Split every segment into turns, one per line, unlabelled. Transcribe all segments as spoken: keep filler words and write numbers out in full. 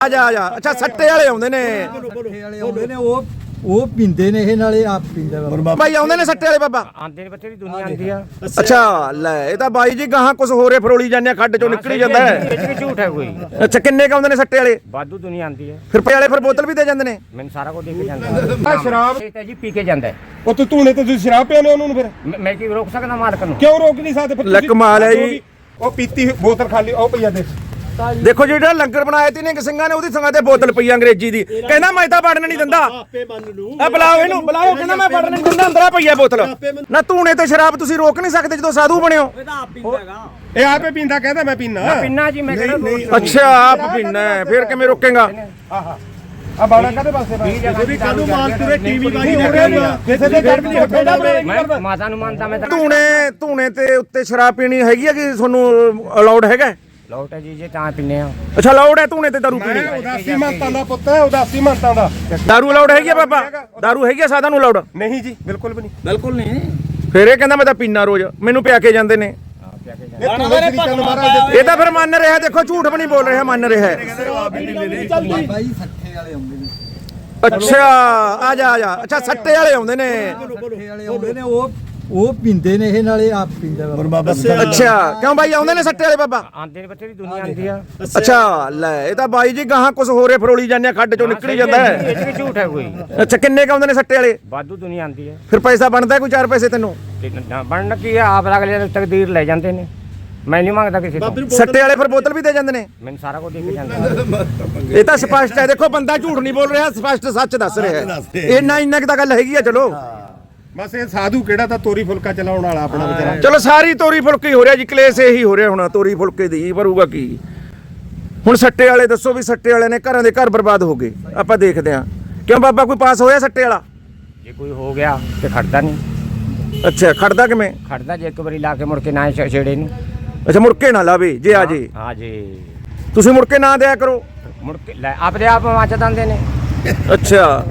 ਆ ਜਾ ਆ ਜਾ ਅੱਛਾ ਸੱਟੇ ਵਾਲੇ ਆਉਂਦੇ ਨੇ
ਸੱਟੇ ਵਾਲੇ ਆਉਂਦੇ ਨੇ ਉਹ ਉਹ ਪੀਂਦੇ ਨੇ ਇਹ ਨਾਲੇ ਆਪ ਪੀਂਦਾ ਬਾਬਾ
ਭਾਈ ਆਉਂਦੇ ਨੇ ਸੱਟੇ ਵਾਲੇ ਬਾਬਾ
ਆਂਦੇ ਨੇ ਬੱਚੇ ਦੀ ਦੁਨੀਆ ਆਂਦੀ ਆ
ਅੱਛਾ ਲੈ ਇਹ ਤਾਂ ਬਾਈ ਜੀ ਗਾਹਾਂ ਕੁਝ ਹੋਰੇ ਫਰੋਲੀ ਜਾਂਦੇ ਖੱਡ ਚੋਂ ਨਿਕਲੀ ਜਾਂਦਾ ਹੈ
ਇਹ ਚ ਝੂਠ ਹੈ ਕੋਈ
ਅੱਛਾ ਕਿੰਨੇ ਕ ਆਉਂਦੇ ਨੇ ਸੱਟੇ ਵਾਲੇ
ਵਾਧੂ ਦੁਨੀਆ ਆਂਦੀ ਹੈ
ਫਿਰ ਪੇ ਵਾਲੇ ਫਿਰ ਬੋਤਲ ਵੀ ਦੇ ਜਾਂਦੇ ਨੇ
ਮੈਨੂੰ ਸਾਰਾ ਕੁਝ ਦੇ ਕੇ ਜਾਂਦਾ
ਆ ਸ਼ਰਾਬ
ਇਹ ਤਾਂ ਜੀ ਪੀ ਕੇ ਜਾਂਦਾ ਹੈ।
ਉਹ ਤੂੰ ਧੂਣੇ ਤੇ ਤੁਸੀਂ ਸ਼ਰਾਬ ਪਿਆਉਂਦੇ ਉਹਨੂੰ ਫਿਰ
ਮੈਂ- ਮੈਂ ਕੀ ਰੋਕ ਸਕਦਾ ਮਾਲਕ ਨੂੰ?
ਕਿਉਂ ਰੋਕ ਨਹੀਂ ਸਕਦੇ ਫਿਰ
ਲੈ
ਤੁਸੀਂ?
ਕਮਾਲ ਹੈ ਜੀ।
ਉਹ ਪੀਤੀ ਹੋਈ ਬੋਤਲ ਖਾਲੀ ਉਹ ਪਈਆ ਦੇ
ਦੇਖੋ ਜਿਹੜਾ ਲੰਗਰ ਬਣਾਇਆ ਤੀ ਨੇ ਸਿੰਘਾਂ ਨੇ ਉਹਦੀ ਸੰਗਾਂ ਤੇ ਬੋਤਲ ਪਈ ਅੰਗਰੇਜ਼ੀ ਦੀ ਕਹਿੰਦਾ ਮੈਂ ਤਾਂ ਵੜਨ ਨਹੀਂ ਦਿੰਦਾ ਆ ਬੁਲਾਓ ਇਹਨੂੰ ਬੁਲਾਓ ਕਹਿੰਦਾ ਮੈਂ ਵੜਨ ਨਹੀਂ ਦਿੰਦਾ ਅੰਦਰਾ ਪਈ ਆ ਬੋਤਲ ਨਾ ਧੂਣੇ ਤੇ ਸ਼ਰਾਬ ਤੁਸੀਂ ਰੋਕ ਨਹੀਂ ਸਕਦੇ ਜਦੋਂ ਸਾਧੂ ਬਣਿਓ
ਇਹ ਆਪੇ ਪੀਂਦਾ ਕਹਿੰਦਾ ਮੈਂ ਪੀਣਾ
ਪਿੰਨਾ ਜੀ ਮੈਂ ਕਿਹੜਾ
ਅੱਛਾ ਆਪ ਪੀਣਾ ਫਿਰ ਕਿਵੇਂ ਰੋਕੇਗਾ
ਆ ਬਾਣਾ ਕਾਦੇ ਪਾਸੇ ਬਾ
ਵੀ
ਕਾਨੂੰ ਮਾਲ ਤੁਰੇ ਟੀਵੀ ਵਾਲੀ ਹੋ ਰਿਹਾ ਕਿਸੇ ਦੇ ਘਰ ਵੀ ਨਹੀਂ ਹੱਥੋਂ
ਮੈਂ ਮਾਤਾ ਨੂੰ ਮੰਨਦਾ ਮੈਂ ਤਾਂ
ਧੂਣੇ ਧੂਣੇ ਤੇ ਉੱਤੇ ਸ਼ਰਾਬ ਪੀਣੀ ਹੈਗੀ ਆ ਕਿ ਤੁਹਾਨੂੰ ਅਲਾਉਡ ਹੈਗਾ
ਲੋਟ ਹੈ ਜੀ ਜੇ ਤਾਂ ਪਿੰਨੇ ਆ
ਅੱਛਾ ਅਲਾਉਡ ਹੈ ਧੂਣੇ ਤੇ ਦਾਰੂ ਪੀਣੀ
ਉਦਾਸੀ ਮੰਤਾਂ ਦਾ ਪੁੱਤ ਹੈ ਉਦਾਸੀ ਮੰਤਾਂ ਦਾ
ਦਾਰੂ ਅਲਾਉਡ ਹੈਗੀ ਆ ਬਾਬਾ ਦਾਰੂ ਹੈਗੀ ਆ ਸਾਧਾਂ ਨੂੰ ਅਲਾਉਡ
ਨਹੀਂ ਜੀ ਬਿਲਕੁਲ ਵੀ ਨਹੀਂ
ਬਿਲਕੁਲ ਨਹੀਂ
ਫਿਰ ਇਹ ਕਹਿੰਦਾ ਮੈਂ ਤਾਂ ਪੀਣਾ ਰੋਜ਼ ਮੈਨੂੰ ਪਿਆ ਕੇ ਜਾਂਦੇ ਨੇ
ਇਹ ਧੂਣੇ ਸ੍ਰੀ ਚੰਦ ਮਹਾਰਾਜ
ਇਹ ਤਾਂ ਫਿਰ ਮੰਨ ਰਿਹਾ ਦੇਖੋ ਝੂਠ ਵੀ ਨਹੀਂ ਬੋਲ ਰਿਹਾ ਮੰਨ ਰਿਹਾ
ਬਾਬਾ ਜੀ ਸੱਟੇ ਵਾਲੇ ਆਉਂਦੇ ਨੇ
ਅੱਛਾ ਆ ਜਾ ਆ ਜਾ ਅੱਛਾ ਸੱਟੇ ਵਾਲੇ ਆਉਂਦੇ ਨੇ
ਸੱਟੇ ਵਾਲੇ ਆਉਂਦੇ ਨੇ ਉਹ ਉਹ ਪੀਂਦੇ ਨੇ ਇਹ ਨਾਲੇ ਆਪ ਪੀਂਦਾ ਬਾਬਾ
ਅੱਛਾ ਕਿਉਂ ਬਾਈ ਆਉਂਦੇ ਨੇ ਸੱਟੇ ਵਾਲੇ ਬਾਬਾ
ਆਂਦੇ ਨੇ ਬੱਚੇ ਦੀ ਦੁਨੀਆ ਆਂਦੀ ਆ
ਅੱਛਾ ਲੈ ਇਹ ਤਾਂ ਬਾਈ ਜੀ ਗਾਹਾਂ ਕੁਝ ਹੋਰੇ ਫਰੋਲੀ ਜਾਂਦੇ ਖੱਡ ਚੋਂ ਨਿਕਲੀ ਜਾਂਦਾ ਹੈ
ਇਹ ਚ ਝੂਠ ਹੈ ਕੋਈ
ਅੱਛਾ ਕਿੰਨੇ ਕ ਆਉਂਦੇ ਨੇ ਸੱਟੇ ਵਾਲੇ
ਵਾਧੂ ਦੁਨੀਆ ਆਂਦੀ ਹੈ
ਫਿਰ ਪੈਸਾ ਬਣਦਾ ਕੋਈ ਚਾਰ ਪੈਸੇ ਤੈਨੂੰ
ਤੇ ਨਾ ਬਣਨ ਕੀ ਆ ਆਪ ਅਗਲੇ ਦੀ ਤਕਦੀਰ ਲੈ ਜਾਂਦੇ ਨੇ ਮੈਂ ਨਹੀਂ ਮੰਗਦਾ ਕਿਸੇ ਤੋਂ
ਸੱਟੇ ਵਾਲੇ ਫਿਰ ਬੋਤਲ ਵੀ ਦੇ ਜਾਂਦੇ ਨੇ
ਮੈਨੂੰ ਸਾਰਾ ਕੁਝ ਦੇ ਕੇ ਜਾਂਦਾ
ਇਹ ਤਾਂ ਸਪਸ਼ਟ ਹੈ ਦੇਖੋ ਬੰਦਾ ਝੂਠ ਨਹੀਂ ਬੋਲ ਰਿਹਾ ਸਪਸ਼ਟ ਸੱਚ ਦੱਸ ਰਿਹਾ ਹੈ ਇੰਨਾ ਇੰਨਾ ਕਿ ਤਾਂ ਗੱਲ ਹੈਗੀ ਆ ਚਲੋ
ਬਸ ਇਹ ਸਾਧੂ ਕਿਹੜਾ ਤਾਂ ਤੋਰੀ ਫੁਲਕਾ ਚਲਾਉਣ ਵਾਲਾ ਆਪਣਾ ਵਿਚਾਰਾ
ਚਲੋ ਸਾਰੀ ਤੋਰੀ ਫੁਲਕੇ ਹੋ ਰਿਹਾ ਜੀ ਕਲੇਸ਼ ਇਹੀ ਹੋ ਰਿਹਾ ਹੁਣ ਤੋਰੀ ਫੁਲਕੇ ਦੀ ਭਰੂਗਾ ਕੀ ਹੁਣ ਸੱਟੇ ਵਾਲੇ ਦੱਸੋ ਵੀ ਸੱਟੇ ਵਾਲੇ ਨੇ ਘਰਾਂ ਦੇ ਘਰ ਬਰਬਾਦ ਹੋ ਗਏ ਆਪਾਂ ਦੇਖਦੇ ਆਂ ਕਿਉਂ ਬਾਬਾ ਕੋਈ ਪਾਸ ਹੋਇਆ ਸੱਟੇ ਵਾਲਾ
ਜੇ ਕੋਈ ਹੋ ਗਿਆ ਤੇ ਖੜਦਾ ਨਹੀਂ
ਅੱਛਾ ਖੜਦਾ ਕਿਵੇਂ
ਖੜਦਾ ਜੇ ਇੱਕ ਵਾਰੀ ਲਾ ਕੇ ਮੁੜ ਕੇ ਨਾ ਛ- ਛੇੜੇ ਨੂੰ
ਅੱਛਾ ਮੁੜਕੇ ਨਾ ਲਾਵੇ ਜੇ ਆ ਜੇ
ਹਾਂ ਜੀ
ਤੁਸੀਂ ਮੁੜਕੇ ਨਾ ਦਿਆ ਕਰੋ
ਮੁੜ ਕੇ ਲੈ ਆਪਦੇ ਆਪ ਮੱਚ ਦਿੰਦੇ ਨੇ
ਅੱਛਾ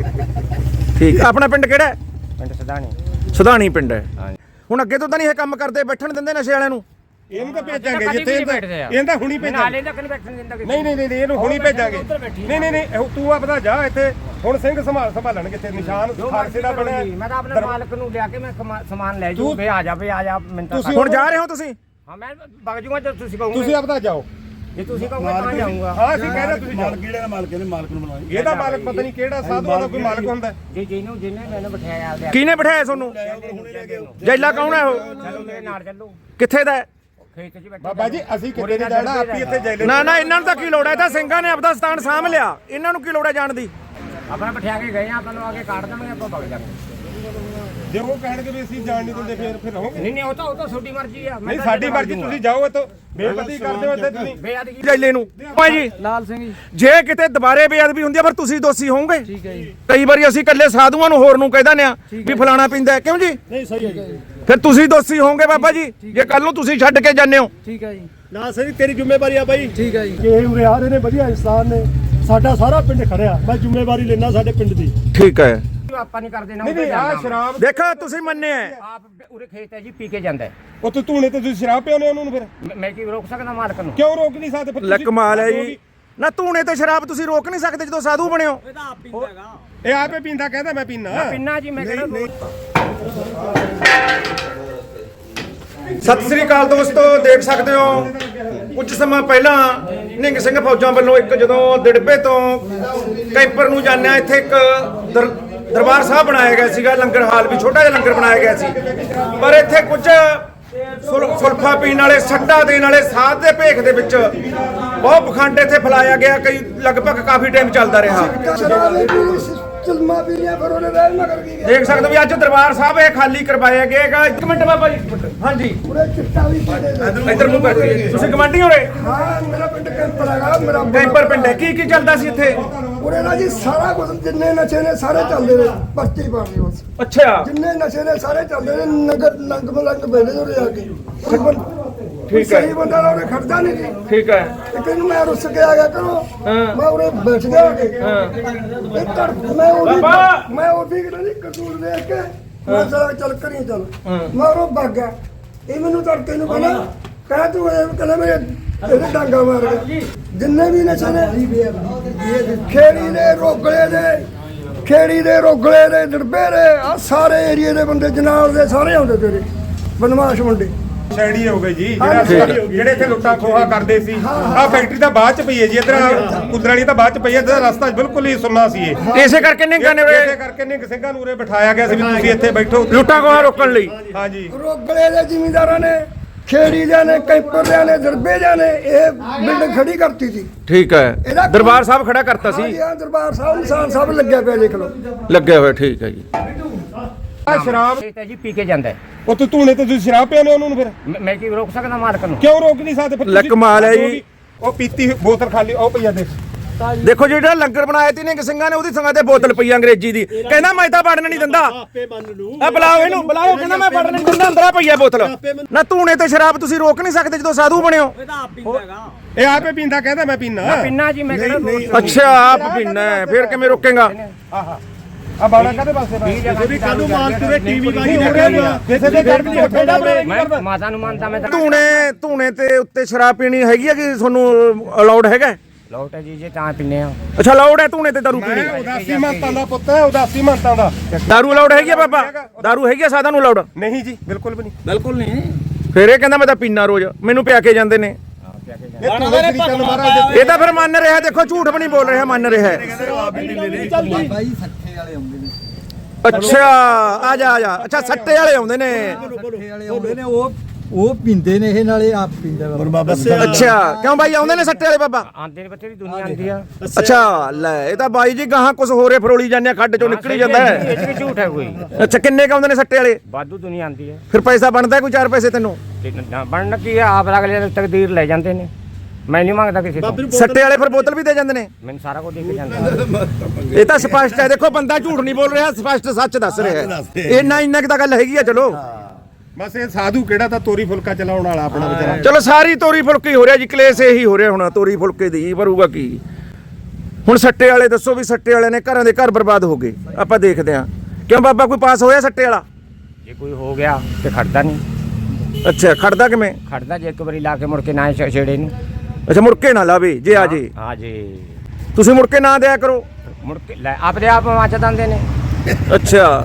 ਠੀਕ ਆਪਣਾ ਪਿੰਡ ਕਿਹੜਾ ਹੈ?
ਪਿੰਡ ਸਦਾਣੀ
ਸੁਧਾਣੀ ਪਿੰਡ ਹੈ
ਹਾਂ
ਹੁਣ ਅੱਗੇ ਤੋਂ ਤਾਂ ਨਹੀਂ ਇਹ ਕੰਮ ਕਰਦੇ ਬੈਠਣ ਦਿੰਦੇ ਨਸ਼ੇ ਵਾਲਿਆਂ ਨੂੰ
ਇਹਨੂੰ ਤਾਂ ਭੇਜਾਂਗੇ
ਕਦੀ
ਜਿੱਥੇ
ਵੀ ਨਹੀਂ ਬੈਠਦੇ ਆ।
ਇਹਦਾ ਹੁਣੀ
ਨਾਲੇ
ਭੇਜਾਂਗੇ
ਤੱਕ ਨਹੀਂ ਬੈਠਣ ਦਿੰਦਾ ਕਿਸੇ
ਨਹੀਂ ਨਹੀਂ ਨਹੀਂ ਨਹੀਂ, ਇਹਨੂੰ ਹੁਣੀ ਭੇਜਾਂਗੇ ਨਹੀਂ ਨਹੀਂ ਨਹੀਂ ਇਹ ਤੂੰ ਆਪਦਾ ਜਾ ਇੱਥੇ ਹੁਣ ਸਿੰਘ ਸੰਭਾਲ ਸੰਭਾਲਣਗੇ ਇੱਥੇ ਨਿਸ਼ਾਨ
ਜੋ
ਖਾਲਸੇ ਦਾ ਬਣਿਆ
ਮੈਂ ਤਾਂ ਆਪਣੇ ਮਾਲਕ ਨੂੰ ਲਿਆ ਕੇ ਮੈਂ ਸਮਾ- ਸਮਾਨ ਲੈ ਜੂ ਵੇ ਆ ਜਾ ਵੇ ਆ ਜਾ ਮੈਂ ਤਾਂ
ਤੁਸੀਂ
ਹੁਣ ਜਾ ਰਹੇ ਹੋ ਤੁਸੀਂ
ਹਾਂ ਮੈਂ ਵਗ ਜੂਗਾ ਜੇ ਤੁਸੀਂ ਕਹੋਗੇ
ਤੁਸੀਂ ਆਪਦਾ ਜਾਓ
ਜੇ ਤੁਸੀਂ ਕਹੋਗੇ ਤਾਂ ਜਾਊਂਗਾ
ਹਾਂ ਅਸੀਂ ਕਹਿ ਰਹੇ ਤੁਸੀਂ ਜਾਓ
ਕਿਹੜੇ ਮਾਲਕ ਨੇ ਮਾਲਕ ਨੂੰ ਬਣਾਈ
ਇਹਦਾ ਮਾਲਕ ਪਤਾ ਨਹੀਂ ਕਿਹੜਾ ਸਾਧੂਆਂ ਦਾ ਕੋਈ ਮਾਲਕ ਹੁੰਦਾ
ਜੇ ਜਿਹਨੂੰ ਜਿਹਨੇ ਮੈਨੂੰ ਬਿਠਾਇਆ ਆਪਦੇ
ਕਿਹਨੇ ਬਿਠਾਇਆ ਤੁਹਾਨੂੰ ਜੈਲਾ ਕੌਣ ਹੈ ਉਹ
ਚਲੋ ਮੇਰੇ ਨਾਲ ਚੱਲੋ
ਕਿੱਥੇ ਦਾ ਹੈ?
ਖੇਤ 'ਚ ਬੈਠੇ
ਬਾਬਾ ਜੀ ਅਸੀਂ ਕਿਤੇ ਨਹੀਂ ਜਾਣਾ ਆਪੀ ਇੱਥੇ ਜੈਲੇ
ਨਾ ਨਾ ਇਹਨਾਂ ਨੂੰ ਤਾਂ ਕੀ ਲੋੜ ਹੈ ਇਹ ਤਾਂ ਸਿੰਘਾਂ ਨੇ ਆਪਦਾ ਸਥਾਨ ਸਾਂਭ ਲਿਆ ਇਹਨਾਂ ਨੂੰ ਕੀ ਲੋੜ ਹੈ ਜਾਣ ਦੀ
ਆਪਣਾ ਬਿਠਾ ਕੇ ਗਏ ਆਪਾਂ ਨੂੰ ਆ ਕੇ ਕਾਟ ਦੇਵਾਂਗੇ ਆਪਾਂ ਵਗ ਜਾਵਾਂਗੇ
ਜੇ ਉਹ ਕਹਿਣਗੇ ਵੀ ਅਸੀਂ ਜਾਣ ਨਹੀਂ ਦਿੰਦੇ ਫਿਰ ਫਿਰ ਰਹੋਗੇ
ਨਹੀਂ ਨਹੀਂ ਉਹ ਤਾਂ ਉਹ ਤਾਂ ਤੁਹਾਡੀ ਮਰਜ਼ੀ ਆ
ਨਹੀਂ ਸਾਡੀ ਮਰਜ਼ੀ ਤੁਸੀਂ ਜਾਓ ਇੱਥੋਂ ਬੇਪਤੀ ਕਰਦੇ ਹੋ ਇੱਥੇ ਤੁਸੀਂ
ਬੇਅਦਗੀ
ਜੈਲੇ ਨੂੰ ਭਾਈ ਜੀ
ਲਾਲ ਸਿੰਘ ਜੀ
ਜੇ ਕਿਤੇ ਦੁਬਾਰੇ ਬੇਅਦਬੀ ਹੁੰਦੀ ਹੈ ਫਿਰ ਤੁਸੀਂ ਦੋਸ਼ੀ ਹੋਵੋਗੇ
ਠੀਕ ਹੈ ਜੀ
ਕਈ ਵਾਰੀ ਅਸੀਂ ਇਕੱਲੇ ਸਾਧੂਆਂ ਨੂੰ ਹੋਰ ਨੂੰ ਕਹਿ ਦਿੰਦੇ ਆ ਵੀ ਫਲਾਣਾ ਪੀਂਦਾ ਹੈ, ਕਿਉਂ ਜੀ
ਨਹੀਂ ਸਹੀ ਹੈ ਜੀ
ਫਿਰ ਤੁਸੀਂ ਦੋਸ਼ੀ ਹੋਵੋਗੇ ਬਾਬਾ ਜੀ ਜੇ ਕੱਲ ਨੂੰ ਤੁਸੀਂ ਛੱਡ ਕੇ ਜਾਂਦੇ ਹੋ
ਠੀਕ ਹੈ ਜੀ
ਨਾ ਸਰੀ ਤੇਰੀ ਜ਼ਿੰਮੇਵਾਰੀ ਆ ਬਾਈ
ਠੀਕ ਹੈ ਜੀ
ਇਹ ਉਰੇ ਆ ਰਹੇ ਨੇ ਵਧੀਆ ਇਨਸਾਨ ਨੇ ਸਾਡਾ ਸਾਰਾ ਪਿੰਡ ਖੜਿਆ ਮੈਂ ਜ਼ਿੰਮੇਵਾਰੀ ਲੈਣਾ ਸਾਡੇ ਪਿੰਡ ਦੀ
ਠੀਕ ਹੈ
ਆਪਾਂ ਨਹੀਂ ਕਰਦੇ ਨਾ
ਨਹੀਂ ਨਹੀਂ ਆਹ ਸ਼ਰਾਬ
ਦੇਖੋ ਤੁਸੀਂ ਮੰਨਿਆ ਹੈ।
ਆਪ ਉਰੇ ਖੇਤ ਹੈ ਜੀ ਪੀ ਕੇ ਜਾਂਦਾ ਹੈ।
ਉਹ ਤੂੰ ਧੂਣੇ ਤੇ ਤੁਸੀਂ ਸ਼ਰਾਬ ਪਿਆਉਂਦੇ ਉਹਨੂੰ ਫਿਰ
ਮੈਂ- ਮੈਂ ਕੀ ਰੋਕ ਸਕਦਾ ਮਾਲਕ ਨੂੰ?
ਕਿਉਂ ਰੋਕ ਨਹੀਂ ਸਕਦੇ ਫਿਰ
ਲੈ
ਤੁਸੀਂ?
ਕਮਾਲ ਹੈ ਜੀ ਨਾ ਧੂਣੇ ਤੇ ਸ਼ਰਾਬ ਤੁਸੀਂ ਰੋਕ ਨਹੀਂ ਸਕਦੇ ਜਦੋਂ ਸਾਧੂ ਬਣਿਓ
ਇਹ ਆਪੇ ਪੀਂਦਾ ਕਹਿੰਦਾ ਮੈਂ ਪੀਣਾ
ਪਿੰਨਾ ਜੀ ਮੈਂ ਕਿਹੜਾ
ਸਤਿ ਸ੍ਰੀ ਅਕਾਲ ਦੋਸਤੋ ਦੇਖ ਸਕਦੇ ਹੋ ਕੁਝ ਸਮਾਂ ਪਹਿਲਾਂ ਨਿੰਗ ਸਿੰਘ ਫੌਜਾਂ ਵੱਲੋਂ ਇੱਕ ਜਦੋਂ ਦਿੜਬੇ ਤੋਂ ਕੈਂਪਰ ਨੂੰ ਜਾਂਦਿਆਂ ਇੱਥੇ ਇੱਕ ਦਰ- ਦਰਬਾਰ ਸਾਹਿਬ ਬਣਾਇਆ ਗਿਆ ਸੀਗਾ ਲੰਗਰ ਹਾਲ ਵੀ ਛੋਟਾ ਜਿਹਾ ਲੰਗਰ ਬਣਾਇਆ ਗਿਆ ਸੀ ਪਰ ਇੱਥੇ ਕੁਝ ਸੁਲ- ਸੁਲਫਾ ਪੀਣ ਵਾਲੇ ਸੱਟਾ ਦੇਣ ਵਾਲੇ ਸਾਧ ਦੇ ਭੇਖ ਦੇ ਵਿੱਚ ਬਹੁਤ ਪਖੰਡ ਇੱਥੇ ਫੈਲਾਇਆ ਗਿਆ ਕਈ ਲਗਭਗ ਕਾਫੀ ਟਾਈਮ ਚੱਲਦਾ ਰਿਹਾ ਦੇਖ ਸਕਦੇ ਹੋ ਵੀ ਅੱਜ ਦਰਬਾਰ ਸਾਹਿਬ ਇਹ ਖਾਲੀ ਕਰਵਾਇਆ ਗਿਆ ਹੈਗਾ ਇੱਕ ਮਿੰਟ ਬਾਬਾ ਜੀ ਇੱਕ ਮਿੰਟ ਹਾਂਜੀ ਇੱਧਰ ਨੂੰ ਕਰਕੇ ਤੁਸੀਂ ਗਵਾਂਢੀ ਹੋ ਰਹੇ
ਹਾਂ ਮੇਰਾ ਪਿੰਡ ਕੈਂਪਰ ਹੈਗਾ ਮੇਰਾ
ਕੈਂਪਰ ਪਿੰਡ ਹੈ ਕੀ ਕੀ ਚੱਲਦਾ ਸੀ ਇੱਥੇ
ਉਰੇ ਨਾ ਜੀ ਸਾਰਾ ਕੁਝ ਜਿੰਨੇ ਨਸ਼ੇ ਨੇ ਸਾਰੇ ਚੱਲਦੇ ਨੇ ਪਰਚੀ ਪਾਣੀ ਬਸ
ਅੱਛਾ
ਜਿੰਨੇ ਨਸ਼ੇ ਨੇ ਸਾਰੇ ਚੱਲਦੇ ਨੇ ਨਗਰ ਲੰਗ ਮਲੰਗ ਬੈਠੇ ਉਰੇ ਆ ਕੇ
ਠੀਕ ਹੈ
ਸਹੀ ਬੰਦਾ ਨਾ ਉਰੇ ਖੜਦਾ ਨਹੀਂ ਜੀ
ਠੀਕ ਹੈ
ਇੱਕ ਦਿਨ ਮੈਂ ਰੁੱਸ ਕੇ ਆ ਗਿਆ ਕਰੋ
ਹਾਂ।
ਮੈਂ ਉਰੇ ਬੈਠ ਗਿਆ ਆ ਕੇ
ਹਾਂ
ਇਹ ਤੜ ਮੈਂ ਉਹਦੀ
ਬਾਬਾ!
ਮੈਂ ਉਹਦੀ ਕਿਹੜਾ ਨਹੀਂ ਕਸੂਰ ਦੇਖ ਕੇ ਮੈਂ ਚਲ ਚੱਲ ਕਰੀ ਚੱਲ
ਹਾਂ।
ਮੈਂ ਉਹ ਭੱਗ ਗਿਆ ਇਹ ਮੈਨੂੰ ਤੜਕੇ ਨੂੰ ਕਹਿੰਦਾ ਕਹਿ ਤੂੰ ਇਹ ਕਹਿੰਦਾ ਮੇਰੇ ਇਹਦੇ ਡਾਂਗਾ ਮਾਰ ਕੇ ਜਿੰਨੇ ਵੀ ਨਸ਼ੇ ਨੇ ਖੇੜੀ ਦੇ ਰੋਗਲੇ ਦੇ ਖੇੜੀ ਦੇ ਰੋਗਲੇ ਦੇ ਦਰਬੇ ਦੇ ਆ ਸਾਰੇ ਏਰੀਏ ਦੇ ਬੰਦੇ ਜਨਾਬ ਦੇ ਸਾਰੇ ਆਉਂਦੇ ਤੇਰੇ ਬਦਮਾਸ਼ ਮੁੰਡੇ
ਸ਼ੈੜੀ ਹੋ ਗਏ ਜੀ ਜਿਹੜਾ ਜਿਹੜੇ ਇੱਥੇ ਲੁੱਟਾਂ ਖੋਹਾ ਕਰਦੇ ਸੀ ਆ ਫੈਕਟਰੀ ਤਾਂ ਬਾਅਦ ਚ ਪਈ ਹੈ ਜੀ ਇਧਰ ਕੁਦਰਾਲੀ ਤਾਂ ਬਾਅਦ ਚ ਪਈ ਹੈ ਇਹਦਾ ਰਸਤਾ ਬਿਲਕੁਲ ਹੀ ਸੁੰਨਾ ਸੀ ਇਹ
ਇਸੇ ਕਰਕੇ ਨਿੰਗਾ ਨੇ
ਇਸੇ ਕਰਕੇ ਨਿੰਗ ਸਿੰਘਾਂ ਨੂੰ ਉਰੇ ਬਿਠਾਇਆ ਗਿਆ ਸੀ ਵੀ ਤੁਸੀਂ ਇੱਥੇ ਬੈਠੋ
ਲੁੱਟਾਂ ਖੋਹਾਂ ਰੋਕਣ ਲਈ।
ਹਾਂਜੀ
ਰੋਗਲੇ ਦੇ ਜ਼ਿਮੀਂਦਾਰਾਂ ਨੇ ਖੇੜੀ ਦੇ ਨੇ ਕੈਂਪਰ ਦੇ ਨੇ ਦਰਬੇ ਦੇ ਨੇ ਇਹ ਬਿਲਡਿੰਗ ਖੜੀ ਕਰਤੀ ਸੀ।
ਠੀਕ ਹੈ ਦਰਬਾਰ ਸਾਹਿਬ ਖੜਾ ਕਰਤਾ ਸੀ।
ਹਾਂ ਦਰਬਾਰ ਸਾਹਿਬ ਨਿਸ਼ਾਨ ਸਾਹਿਬ ਲੱਗਿਆ ਪਿਆ ਦੇਖ ਲਓ
ਲੱਗੇ ਹੋਏ ਠੀਕ ਹੈ ਜੀ।
ਆ ਸ਼ਰਾਬ
ਤੇ ਜੀ ਪੀ ਕੇ ਜਾਂਦਾ ਹੈ।
ਉਹ ਤੂੰ ਧੂਣੇ ਤੇ ਤੁਸੀਂ ਸ਼ਰਾਬ ਪਿਆਉਂਦੇ ਉਹਨੂੰ ਫਿਰ
ਮੈਂ- ਮੈਂ ਕੀ ਰੋਕ ਸਕਦਾ ਮਾਲਕ ਨੂੰ?
ਕਿਉਂ ਰੋਕ ਨਹੀਂ ਸਕਦੇ ਫਿਰ
ਲੈ
ਤੁਸੀਂ?
ਕਮਾਲ ਹੈ ਜੀ।
ਉਹ ਪੀਤੀ ਹੋਈ ਬੋਤਲ ਖਾਲੀ ਉਹ ਪਈਆ ਦੇ
ਦੇਖੋ ਜਿਹੜਾ ਲੰਗਰ ਬਣਾਇਆ ਤੀ ਨਿੰਗ ਸਿੰਘਾਂ ਨੇ ਉਹਦੀ ਸੰਗਾਂ ਤੇ ਬੋਤਲ ਪਈ ਅੰਗਰੇਜ਼ੀ ਦੀ ਕਹਿੰਦਾ ਮੈਂ ਤਾਂ ਵੜਨ ਨਹੀਂ ਦਿੰਦਾ।
ਆਪੇ ਮੰਨ ਲੂ
ਆ ਬੁਲਾਓ ਇਹਨੂੰ ਬੁਲਾਓ ਕਹਿੰਦਾ ਮੈਂ ਵੜਨ ਨਹੀਂ ਦਿੰਦਾ ਅੰਦਰਾ ਪਈ ਆ ਬੋਤਲ। ਨਾ ਧੂਣੇ ਤੇ ਸ਼ਰਾਬ ਤੁਸੀਂ ਰੋਕ ਨਹੀਂ ਸਕਦੇ ਜਦੋਂ ਸਾਧੂ ਬਣਿਓ।
ਇਹ ਆਪੇ ਪੀਂਦਾ ਕਹਿੰਦਾ ਮੈਂ ਪੀਣਾ
ਪਿੰਨਾ ਜੀ ਮੈਂ ਕਿਹੜਾ
ਅੱਛਾ ਆਪ ਪੀਣਾ ਹੈ, ਫਿਰ ਕਿਵੇਂ ਰੋਕੇਗਾ?
ਆ ਬਾਣਾ ਕਾਦੇ ਪਾਸੇ
ਕਿਸੇ ਵੀ ਕੱਲ ਨੂੰ ਮਾਲਕ ਦੇ ਟੀਵੀ ਵਾਲੀ
ਕਿਸੇ ਦੇ ਘਰ ਵੀ ਉੱਠੇਗਾ
ਮੈਂ ਮਾਤਾ ਨੂੰ ਮੰਨਦਾ ਮੈਂ ਤਾਂ
ਧੂਣੇ ਧੂਣੇ ਤੇ ਉੱਤੇ ਸ਼ਰਾਬ ਪੀਣੀ ਹੈਗੀ ਆ ਕਿ ਤੁਹਾਨੂੰ ਅਲਾਉਡ ਹੈਗਾ?
ਲੋਟ ਹੈ ਜੀ ਜੇ ਤਾਂ ਪੀਨੇ ਆ।
ਅੱਛਾ ਅਲਾਉਡ ਹੈ ਧੂਣੇ ਤੇ ਦਾਰੂ ਪੀਣੀ?
ਉਦਾਸੀ ਮੰਤਾਂ ਦਾ ਪੁੱਤ ਹੈ ਉਦਾਸੀ ਮੰਤਾਂ ਦਾ
ਦਾਰੂ ਅਲਾਉਡ ਹੈਗੀ ਆ ਬਾਬਾ? ਦਾਰੂ ਹੈਗੀ ਆ ਸਾਧਾਂ ਨੂੰ ਅਲਾਉਡ?
ਨਹੀਂ ਜੀ ਬਿਲਕੁਲ ਵੀ ਨਹੀਂ
ਬਿਲਕੁਲ ਨਹੀਂ।
ਫਿਰ ਇਹ ਕਹਿੰਦਾ ਮੈਂ ਤਾਂ ਪੀਣਾ ਰੋਜ਼ ਮੈਨੂੰ ਪਿਆ ਕੇ ਜਾਂਦੇ ਨੇ।
ਇਹ ਤੂੰ ਸ੍ਰੀ ਚੰਦ ਮਹਾਰਾਜ
ਇਹ ਤਾਂ ਫਿਰ ਮੰਨ ਰਿਹਾ ਦੇਖੋ ਝੂਠ ਵੀ ਨਹੀਂ ਬੋਲ ਰਿਹਾ ਮੰਨ ਰਿਹਾ ਹੈ।
ਬਾਬਾ ਜੀ ਸੱਠੇ ਵਾਲੇ ਆਉਂਦੇ ਨੇ।
ਅੱਛਾ ਆ ਜਾ ਆ ਜਾ ਅੱਛਾ ਸੱਟੇ ਵਾਲੇ ਆਉਂਦੇ ਨੇ।
ਸੱਠੇ ਵਾਲੇ ਆਉਂਦੇ ਨੇ ਉਹ ਉਹ ਪੀਂਦੇ ਨੇ ਇਹ ਨਾਲੇ ਆਪ ਪੀਂਦਾ ਬਾਬਾ।
ਅੱਛਾ ਕਿਉਂ ਬਾਈ ਆਉਂਦੇ ਨੇ ਸੱਟੇ ਵਾਲੇ ਬਾਬਾ?
ਆਂਦੇ ਨੇ ਬੱਚੇ ਦੀ ਦੁਨੀਆ ਆਂਦੀ ਆ।
ਅੱਛਾ ਲੈ ਇਹ ਤਾਂ ਬਾਈ ਜੀ ਗਾਹਾਂ ਕੁਝ ਹੋਰੇ ਫਰੋਲੀ ਜਾਂਦੇ ਆ, ਖੱਡ ਚੋਂ ਨਿਕਲੀ ਜਾਂਦਾ
ਇਹ
ਹੈ।
ਚ ਵੀ ਝੂਠ ਹੈ ਕੋਈ।
ਅੱਛਾ ਕਿੰਨੇ ਕ ਆਉਂਦੇ ਨੇ ਸੱਟੇ ਵਾਲੇ?
ਵਾਧੂ ਦੁਨੀਆ ਆਂਦੀ ਹੈ।
ਫਿਰ ਪੈਸਾ ਬਣਦਾ ਕੋਈ ਚਾਰ ਪੈਸੇ ਤੈਨੂੰ?
ਤੇ ਨਾ ਬਣਨ ਕੀ ਆ ਆਪ ਅਗਲੇ ਦੀ ਤਕਦੀਰ ਲੈ ਜਾਂਦੇ ਨੇ। ਮੈਂ ਨਹੀਂ ਮੰਗਦਾ ਕਿਸੇ ਤੋਂ।
ਸੱਟੇ ਵਾਲੇ ਫਿਰ ਬੋਤਲ ਵੀ ਦੇ ਜਾਂਦੇ ਨੇ?
ਮੈਨੂੰ ਸਾਰਾ ਕੁਝ ਦੇ ਕੇ ਜਾਂਦਾ।
ਇਹ ਤਾਂ ਸਪਸ਼ਟ ਹੈ ਦੇਖੋ ਬੰਦਾ ਝੂਠ ਨਹੀਂ ਬੋਲ ਰਿਹਾ ਸਪਸ਼ਟ ਸੱਚ ਦੱਸ ਰਿਹਾ ਹੈ। ਇੰਨਾ ਇੰਨਾ ਕੁ ਤਾਂ ਗੱਲ ਹੈਗੀ ਆ ਚਲੋ।
ਬਸ ਇਹ ਸਾਧੂ ਕਿਹੜਾ ਤਾਂ ਤੋਰੀ ਫੁਲਕਾ ਚਲਾਉਣ ਵਾਲਾ ਆਪਣਾ ਵਿਚਾਰਾ
ਚਲੋ ਸਾਰੀ ਤੋਰੀ ਫੁਲਕੀ ਹੋ ਰਿਹਾ ਜੀ ਕਲੇਸ਼ ਇਹੀ ਹੋ ਰਿਹਾ ਹੁਣ ਤੋਰੀ ਫੁਲਕੇ ਦੀ ਭਰੂਗਾ ਕੀ ਹੁਣ? ਸੱਟੇ ਵਾਲੇ ਦੱਸੋ ਵੀ ਸੱਟੇ ਵਾਲਿਆਂ ਨੇ ਘਰਾਂ ਦੇ ਘਰ ਬਰਬਾਦ ਹੋ ਗਏ ਆਪਾਂ ਦੇਖਦੇ ਹਾਂ। ਕਿਉਂ ਬਾਬਾ ਕੋਈ ਪਾਸ ਹੋਇਆ ਸੱਟੇ ਵਾਲਾ?
ਜੇ ਕੋਈ ਹੋ ਗਿਆ ਤੇ ਖੜਦਾ ਨਹੀਂ।
ਅੱਛਾ ਖੜਦਾ ਕਿਵੇਂ?
ਖੜਦਾ ਜੇ ਇੱਕ ਵਾਰੀ ਲਾ ਕੇ ਮੁੜ ਕੇ ਨਾ ਛ- ਛੇੜੇ ਨੂੰ।
ਅੱਛਾ ਮੁੜ ਕੇ ਨਾ ਲਾਵੇ ਜੇ ਆ ਜੇ
ਹਾਂ ਜੀ
ਤੁਸੀਂ ਮੁੜ ਕੇ ਨਾ ਦਿਆ ਕਰੋ।
ਮੁੜ ਕੇ ਲੈ ਆਪਦੇ ਆਪ ਮੱਚ ਦਿੰਦੇ ਨੇ।
ਅੱਛਾ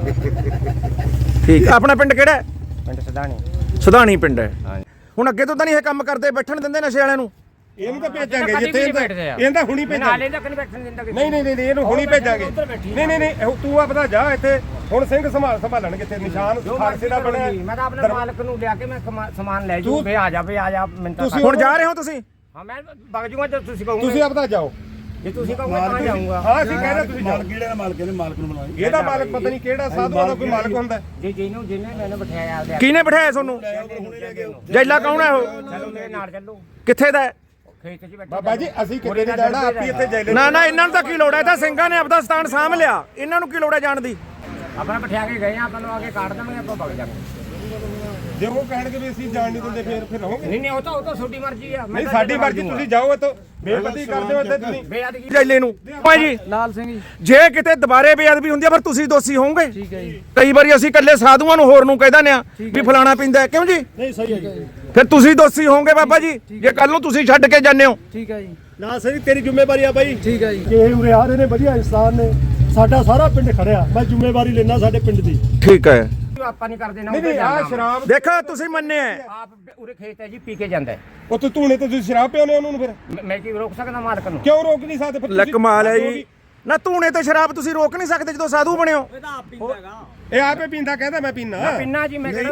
ਠੀਕ ਆਪਣਾ ਪਿੰਡ ਕਿਹੜਾ ਹੈ?
ਪਿੰਡ ਸਦਾਣੀ।
ਸੁਧਾਣੀ ਪਿੰਡ ਹੈ।
ਹਾਂ
ਹੁਣ ਅੱਗੇ ਤੋਂ ਤਾਂ ਨਹੀਂ ਇਹ ਕੰਮ ਕਰਦੇ ਬੈਠਣ ਦਿੰਦੇ ਨਸ਼ੇ ਵਾਲਿਆਂ ਨੂੰ?
ਇਹਨੂੰ ਤਾਂ ਭੇਜਾਂਗੇ ਜਿੱਥੇ ਇਹਦਾ ਹੁਣੀ ਭੇਜਾਂਗੇ।
ਨਾਲੇ ਤੱਕ ਨਹੀਂ ਬੈਠਣ ਦਿੰਦਾ ਕਿਸੇ
ਨਹੀਂ ਨਹੀਂ ਨਹੀਂ ਇਹਨੂੰ ਹੁਣੀ ਭੇਜਾਂਗੇ। ਨਹੀਂ ਨਹੀਂ ਨਹੀਂ ਇਹ ਤੂੰ ਆਪਦਾ ਜਾ ਇੱਥੇ ਹੁਣ ਸਿੰਘ ਸੰਭਾਲ ਸੰਭਾਲਣਗੇ ਇੱਥੇ ਨਿਸ਼ਾਨ ਖਾਲਸੇ ਦਾ ਬਣਿਆ।
ਮੈਂ ਤਾਂ ਆਪਣੇ ਮਾਲਕ ਨੂੰ ਲਿਆ ਕੇ ਮੈਂ ਕਮਾ- ਸਮਾਨ ਲੈ ਜੂ ਵੇ ਆ ਜਾ ਵੇ ਆ ਜਾ ਮਿੰਟਾਂ
ਤੁਸੀਂ
ਹੁਣ ਜਾ ਰਹੇ ਹੋ ਤੁਸੀਂ?
ਹਾਂ ਮੈਂ ਵਗ ਜੂਗਾ ਜੇ ਤੁਸੀਂ ਕਹੋਗੇ।
ਤੁਸੀਂ ਆਪਦਾ ਜਾਓ।
ਜੇ ਤੁਸੀਂ ਕਹੋਗੇ ਤਾਂ ਜਾਊਂਗਾ।
ਹਾਂ ਅਸੀਂ ਕਹਿ ਰਹੇ ਤੁਸੀਂ ਜਾਓ। ਕਿਹੜੇ ਦਾ ਮਾਲਕ ਇਹਦੇ ਮਾਲਕ ਨੂੰ ਬਣਾਓ। ਇਹਦਾ ਮਾਲਕ ਪਤਾ ਨਹੀਂ ਕਿਹੜਾ ਸਾਧੂਆਂ ਦਾ ਕੋਈ ਮਾਲਕ ਹੁੰਦਾ।
ਜੇ ਜਿਹਨੂੰ ਜਿਹਨੇ ਮੈਨੂੰ ਬਿਠਾਇਆ ਆਪਦੇ
ਕਿਹਨੇ ਬਿਠਾਇਆ ਤੁਹਾਨੂੰ? ਜੈਲਾ ਕੌਣ ਹੈ ਉਹ?
ਚਲੋ ਮੇਰੇ ਨਾਲ ਚੱਲੋ।
ਕਿੱਥੇ ਦਾ ਹੈ?
ਖੇਤ 'ਚ ਬੈਠੇ
ਬਾਬਾ ਜੀ ਅਸੀਂ ਕਿਤੇ ਨਹੀਂ ਜਾਣਾ ਆਪੀ ਇੱਥੇ ਜੈਲੇ
ਨਾ ਨਾ ਇਹਨਾਂ ਨੂੰ ਤਾਂ ਕੀ ਲੋੜ ਹੈ? ਇਹ ਤਾਂ ਸਿੰਘਾਂ ਨੇ ਆਪਦਾ ਸਥਾਨ ਸਾਂਭ ਲਿਆ ਇਹਨਾਂ ਨੂੰ ਕੀ ਲੋੜ ਹੈ ਜਾਣ ਦੀ?
ਆਪਣਾ ਬਿਠਾ ਕੇ ਗਏ ਆ ਆਪਾਂ ਨੂੰ ਆ ਕੇ ਕਾਟ ਦੇਵਾਂਗੇ ਆਪਾਂ ਵਗ ਜਾਵਾਂਗੇ।
ਜੇ ਉਹ ਕਹਿਣਗੇ ਵੀ ਅਸੀਂ ਜਾਣ ਨਹੀਂ ਦਿੰਦੇ ਫੇਰ ਫਿਰ ਰਹੋਗੇ।
ਨਹੀਂ ਨਹੀਂ ਉਹ ਤਾਂ ਉਹ ਤਾਂ ਤੁਹਾਡੀ ਮਰਜ਼ੀ ਆ। ਮੈਂ
ਨਹੀਂ
ਤਾਂ
ਸਾਡੀ
ਇੱਥੇ
ਮਰਜ਼ੀ
ਵਗ
ਤੁਸੀਂ ਜਾਓ ਇੱਥੋਂ ਬੇਪਤੀ ਕਰਦੇ ਹੋ ਇੱਥੇ ਤੁਸੀਂ।
ਬੇਅਦਗੀ
ਜੈਲੇ ਨੂੰ ਭਾਈ ਜੀ
ਲਾਲ ਸਿੰਘ ਜੀ।
ਜੇ ਕਿਤੇ ਦੁਬਾਰੇ ਬੇਅਦਬੀ ਹੁੰਦੀ ਹੈ ਫਿਰ ਤੁਸੀਂ ਦੋਸ਼ੀ ਹੋਵੋਗੇ।
ਠੀਕ ਹੈ ਜੀ।
ਕਈ ਵਾਰੀ ਅਸੀਂ ਇਕੱਲੇ ਸਾਧੂਆਂ ਨੂੰ ਹੋਰ ਨੂੰ ਕਹਿ ਦਿੰਦੇ ਆ ਵੀ ਫਲਾਣਾ ਪੀਂਦਾ ਹੈ, ਕਿਉਂ ਜੀ?
ਨਹੀਂ ਸਹੀ ਹੈ ਜੀ।
ਫਿਰ ਤੁਸੀਂ ਦੋਸ਼ੀ ਹੋਵੋਗੇ ਬਾਬਾ ਜੀ ਜੇ ਕੱਲ ਨੂੰ ਤੁਸੀਂ ਛੱਡ ਕੇ ਜਾਂਦੇ ਹੋ।
ਠੀਕ ਹੈ ਜੀ।
ਨਾ ਸਹੀ ਤੇਰੀ ਜ਼ਿੰਮੇਵਾਰੀ ਆ ਬਾਈ।
ਠੀਕ ਹੈ ਜੀ।
ਕਿ ਇਹ ਉਰੇ ਆ ਰਹੇ ਨੇ ਵਧੀਆ ਇਨਸਾਨ ਨੇ ਸਾਡਾ ਸਾਰਾ ਪਿੰਡ ਖੜਿਆ ਮੈਂ ਜ਼ਿੰਮੇਵਾਰੀ ਲੈਣਾ ਸਾਡੇ ਪਿੰਡ ਦੀ।
ਠੀਕ ਹੈ
ਆਪਾਂ ਨਹੀਂ ਕਰਦੇ ਨਾ
ਨਹੀਂ ਨਹੀਂ ਆਹ ਸ਼ਰਾਬ
ਦੇਖੋ ਤੁਸੀਂ ਮੰਨਿਆ
ਆਪ ਉਰੇ ਖੇਤ ਹੈ ਜੀ ਪੀ ਕੇ ਜਾਂਦਾ ਹੈ।
ਉਹ ਤੂੰ ਧੂਣੇ ਤੇ ਤੁਸੀਂ ਸ਼ਰਾਬ ਪਿਆਉਂਦੇ ਉਹਨੂੰ ਫਿਰ
ਮੈਂ- ਮੈਂ ਕੀ ਰੋਕ ਸਕਦਾ ਮਾਲਕ ਨੂੰ?
ਕਿਉਂ ਰੋਕ ਨਹੀਂ ਸਕਦੇ ਫਿਰ
ਲੈ
ਤੁਸੀਂ?
ਕਮਾਲ ਹੈ ਜੀ। ਨਾ ਧੂਣੇ ਤੇ ਸ਼ਰਾਬ ਤੁਸੀਂ ਰੋਕ ਨਹੀਂ ਸਕਦੇ ਜਦੋਂ ਸਾਧੂ ਬਣਿਓ।
ਇਹ ਆਪੇ ਪੀਂਦਾ ਕਹਿੰਦਾ ਮੈਂ ਪੀਣਾ
ਪਿੰਨਾ ਜੀ ਮੈਂ ਕਿਹੜਾ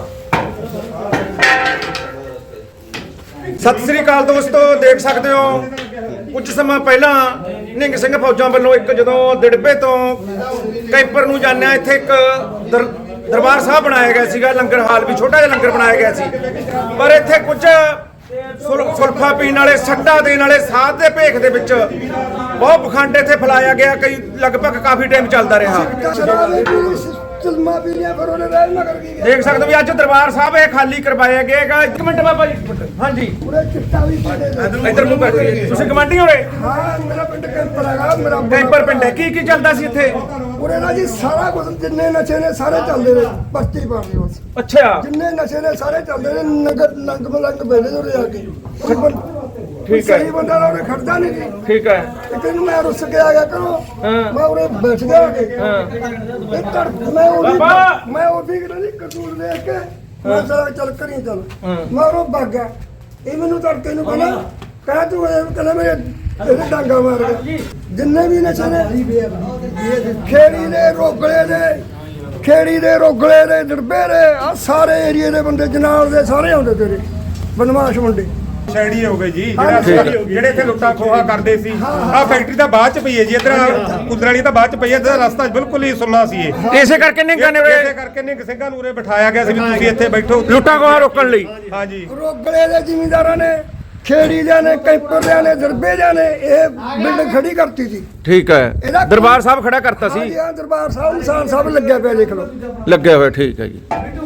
ਸਤਿ ਸ੍ਰੀ ਅਕਾਲ ਦੋਸਤੋ ਦੇਖ ਸਕਦੇ ਹੋ ਕੁਝ ਸਮਾਂ ਪਹਿਲਾਂ ਨਿੰਗ ਸਿੰਘ ਫੌਜਾਂ ਵੱਲੋਂ ਇੱਕ ਜਦੋਂ ਦਿੜਬੇ ਤੋਂ ਕੈਂਪਰ ਨੂੰ ਜਾਂਦੇ ਆ ਇੱਥੇ ਇੱਕ ਦਰ- ਦਰਬਾਰ ਸਾਹਿਬ ਬਣਾਇਆ ਗਿਆ ਸੀਗਾ ਲੰਗਰ ਹਾਲ ਵੀ ਛੋਟਾ ਜਿਹਾ ਲੰਗਰ ਬਣਾਇਆ ਗਿਆ ਸੀ ਪਰ ਇੱਥੇ ਕੁਝ ਸੁਲ- ਸੁਲਫਾ ਪੀਣ ਵਾਲੇ ਸੱਟਾ ਦੇਣ ਵਾਲੇ ਸਾਧ ਦੇ ਭੇਖ ਦੇ ਵਿੱਚ ਬਹੁਤ ਪਖੰਡ ਇੱਥੇ ਫੈਲਾਇਆ ਗਿਆ ਕਈ ਲਗਭਗ ਕਾਫੀ ਟਾਈਮ ਚੱਲਦਾ ਰਿਹਾ।
ਸ਼ਰਾਬ ਵੀ ਪੀਣੀ ਚੁਲਮਾ ਪੀ ਲਿਆ ਫਿਰ ਉਹਨੇ ਰਹਿ ਮਗਰ ਕੀ ਗਿਆ
ਦੇਖ ਸਕਦੇ ਹੋ ਵੀ ਅੱਜ ਦਰਬਾਰ ਸਾਹਿਬ ਇਹ ਖਾਲੀ ਕਰਵਾਇਆ ਗਿਆ ਹੈਗਾ। ਇੱਕ ਮਿੰਟ ਬਾਬਾ ਜੀ, ਇੱਕ ਮਿੰਟ। ਹਾਂਜੀ
ਪੂਰੇ ਚਿੱਟਾ ਵੀ ਪਾੜੇ ਦੇ
ਇੱਧਰ ਨੂੰ ਬੈਠੋ। ਤੁਸੀਂ ਕਮਾਂਡੀ ਹੋਏ?
ਹਾਂ ਮੇਰਾ ਪਿੰਡ ਕੈਂਪਰ ਹੈਗਾ ਮੇਰਾ
ਕੈਂਪਰ ਪਿੰਡ ਹੈ। ਕੀ ਕੀ ਚੱਲਦਾ ਸੀ ਇੱਥੇ?
ਪੂਰੇ ਨਾ ਜੀ ਸਾਰਾ ਕੁਝ ਜਿੰਨੇ ਨਸ਼ੇ ਨੇ ਸਾਰੇ ਚੱਲਦੇ ਨੇ ਪਰਚੀ ਪਾਉਂਦੇ ਬਸ
ਅੱਛਾ
ਜਿੰਨੇ ਨਸ਼ੇ ਨੇ ਸਾਰੇ ਚੱਲਦੇ ਨੇ ਨਗਰ ਨੰਗ ਮਲੰਗ ਬੈਠੇ ਨੇ ਉਰੇ ਆ ਕੇ
ਠੀਕ ਹੈ।
ਸਹੀ ਬੰਦਾ ਨਾ ਉਹਨੇ ਖੜਦਾ ਨਹੀਂ ਜੀ
ਠੀਕ ਹੈ।
ਇੱਕ ਦਿਨ ਮੈਂ ਰੁੱਸ ਕੇ ਆ ਗਿਆ ਕਰੋ
ਹਾਂ।
ਮੈਂ ਉਰੇ ਬੈਠ ਗਿਆ ਆ ਕੇ
ਹਾਂ।
ਇਹ ਤੜ ਮੈਂ ਉਹਦੀ
ਬਾਬਾ!
ਮੈਂ ਉਹਦੀ ਕਿਹੜੀ ਕਸੂਰ ਦੇਖ ਕੇ ਮੈਂ ਚਲ ਚੱਲ ਕਰੀ ਚੱਲ
ਹਾਂ।
ਮੈਂ ਉਹ ਭੱਗ ਗਿਆ ਇਹ ਮੈਨੂੰ ਤੜਕੇ ਨੂੰ ਕਹਿੰਦਾ ਕਹਿ ਤੂੰ ਇਹ ਕਹਿੰਦਾ ਮੇਰੇ ਇਹਨੇ ਡਾਂਗਾ ਮਾਰ ਗਿਆ ਜਿੰਨੇ ਵੀ ਨਸ਼ੇ ਨੇ ਖੇੜੀ ਦੇ ਰੋਗਲੇ ਦੇ ਖੇੜੀ ਦੇ ਰੋਗਲੇ ਦੇ ਦੜਬੇ ਦੇ ਆ ਸਾਰੇ ਏਰੀਏ ਦੇ ਬੰਦੇ ਜਨਾਲ ਦੇ ਸਾਰੇ ਆਉਂਦੇ ਤੇਰੇ ਬਦਮਾਸ਼ ਮੁੰਡੇ
ਸ਼ੈੜੀ ਹੋ ਗਏ ਜੀ ਜਿਹੜਾ ਜਿਹੜੇ ਇੱਥੇ ਲੁੱਟਾ ਖੋਹਾ ਕਰਦੇ ਸੀ ਆ ਫੈਕਟਰੀ ਤਾਂ ਬਾਅਦ ਚ ਪਈ ਹੈ ਜੀ ਇਧਰ ਕੁੰਦਰ ਵਾਲੀ ਤਾਂ ਬਾਅਦ ਚ ਪਈ ਹੈ ਇਹਦਾ ਰਸਤਾ ਬਿਲਕੁਲ ਹੀ ਸੁੰਨਾ ਸੀ ਇਹ
ਇਸੇ ਕਰਕੇ ਨਿੰਗਾ ਨੇ
ਇਸੇ ਕਰਕੇ ਨਿੰਗ ਸਿੰਘਾਂ ਨੂੰ ਉਰੇ ਬਿਠਾਇਆ ਗਿਆ ਸੀ ਵੀ ਤੁਸੀਂ ਇੱਥੇ ਬੈਠੋ
ਲੁੱਟਾਂ ਖੋਹਾਂ ਰੋਕਣ ਲਈ।
ਹਾਂਜੀ
ਰੋਗਲੇ ਦੇ ਜ਼ਿਮੀਂਦਾਰਾਂ ਨੇ ਖੇੜੀ ਦੇ ਨੇ ਕੈਂਪਰ ਨੇ ਦਰਬੇ ਦੇ ਨੇ ਇਹ ਬਿਲਡਿੰਗ ਖੜੀ ਕਰਤੀ ਸੀ
ਠੀਕ ਹੈ।
ਇਹਦਾ
ਦਰਬਾਰ ਸਾਹਿਬ ਖੜਾ ਕਰਤਾ
ਹਾਂਜੀ
ਸੀ।
ਹਾਂ ਦਰਬਾਰ ਸਾਹਿਬ ਨਿਸ਼ਾਨ ਸਾਹਿਬ ਲੱਗਿਆ ਪਿਆ ਦੇਖ ਲਓ
ਲੱਗਿਆ ਹੋਇਆ। ਠੀਕ ਹੈ ਜੀ।